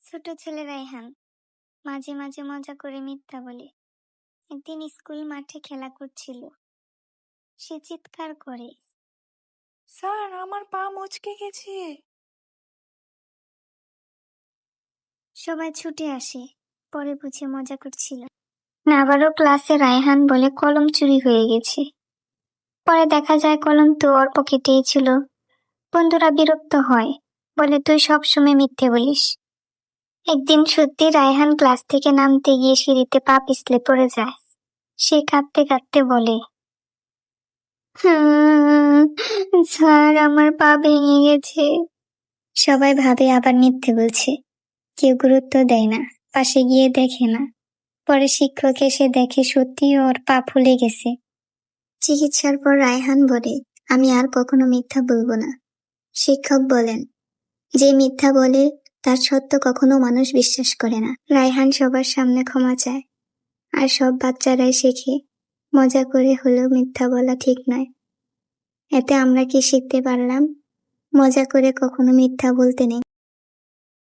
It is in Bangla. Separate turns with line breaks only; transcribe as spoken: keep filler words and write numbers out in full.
ছোট ছেলে রায়হান মাঝে মাঝে মজা করে মিথ্যা বলে। একদিন স্কুল মাঠে খেলা করছিল, সে চিৎকার করে,
স্যার, আমার পা মচকে গেছে।
সবাই ছুটে আসে, পরে বুঝে মজা করছিল। আবারও ক্লাসে রায়হান বলে কলম চুরি হয়ে গেছে। পরে দেখা যায় কলম তো ওর পকেটেই ছিল। বন্ধুরা বিরক্ত হয়, বলে তুই সবসময় মিথ্যে বলিস। একদিন সত্যি রায়হান ক্লাস থেকে নামতে গিয়ে সিঁড়িতে পা পিছলে পড়ে যায়। সে কাঁদতে কাঁদতে বলে, "হুম, স্যার, আমার পা ভেঙে গেছে।" সবাই ভাবে আবার মিথ্যে বলছে, কেউ গুরুত্ব দেয় না, পাশে গিয়ে দেখে না। পরে শিক্ষক এসে দেখে সত্যি ওর পা ফুলে গেছে। চিকিৎসার পর রায়হান বলে, আমি আর কখনো মিথ্যা বলবো না। শিক্ষক বলেন, যে মিথ্যা বলে তার সত্য কখনো মানুষ বিশ্বাস করে না। রায়হান সবার সামনে ক্ষমা চায়, আর সব বাচ্চারাই শেখে মজা করে হলেও মিথ্যা বলা ঠিক নয়। এতে আমরা কি শিখতে পারলাম? মজা করে কখনো মিথ্যা বলতে নেই।